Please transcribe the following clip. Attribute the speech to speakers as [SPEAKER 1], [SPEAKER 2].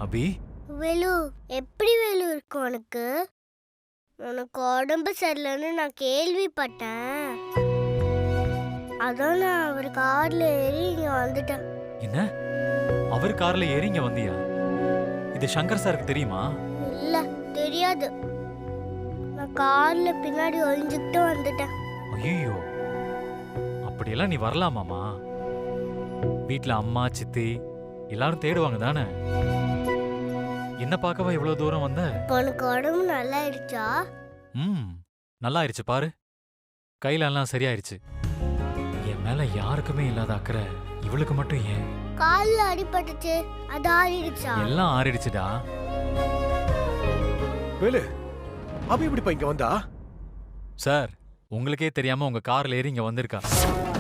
[SPEAKER 1] அபி
[SPEAKER 2] வேலு, எப்படி வேலு இருக்கு உனக்கு? உனக்கு உடம்பு சரியில்லைன்னு நான் கேள்விப்பட்டேன். அதான் நான் அவர் கார்ல ஏறி இங்க வந்துட்டேன்.
[SPEAKER 1] என்ன அவர் கார்ல ஏறி இங்க வந்தியா? இது சங்கர் சாருக்கு தெரியுமா?
[SPEAKER 2] இல்ல, தெரியாது. நான் கார்ல பின்னாடி ஒளிஞ்சுக்கிட்டு வந்துட்டேன்.
[SPEAKER 1] ஐயோ, அப்படியெல்லாம் நீ வரலாமாமா? வீட்ல அம்மா சித்தி எல்லாரும் தேடுவாங்க தானே. என்ன பார்க்கவா இவ்வளவு தூரம் வந்த?
[SPEAKER 2] உனக்கு உடம்பு நல்லா ஆயிடுச்சா?
[SPEAKER 1] நல்லா ஆயிடுச்சு பாரு. கையில எல்லாம் சரியாயிருச்சு. என் மேல யாருக்குமே இல்லாத அக்கறை இவளுக்கு மட்டும் ஏன்?
[SPEAKER 2] கால்ல அடிபட்டுச்சு, அது ஆறிடுச்சா?
[SPEAKER 1] எல்லாம் ஆறிடுச்சுடா.
[SPEAKER 3] வேலு, அபி இப்படி இங்க வந்தா?
[SPEAKER 1] சார், உங்களுக்கே தெரியாம உங்க கார்ல ஏறி இங்க வந்திருக்கா.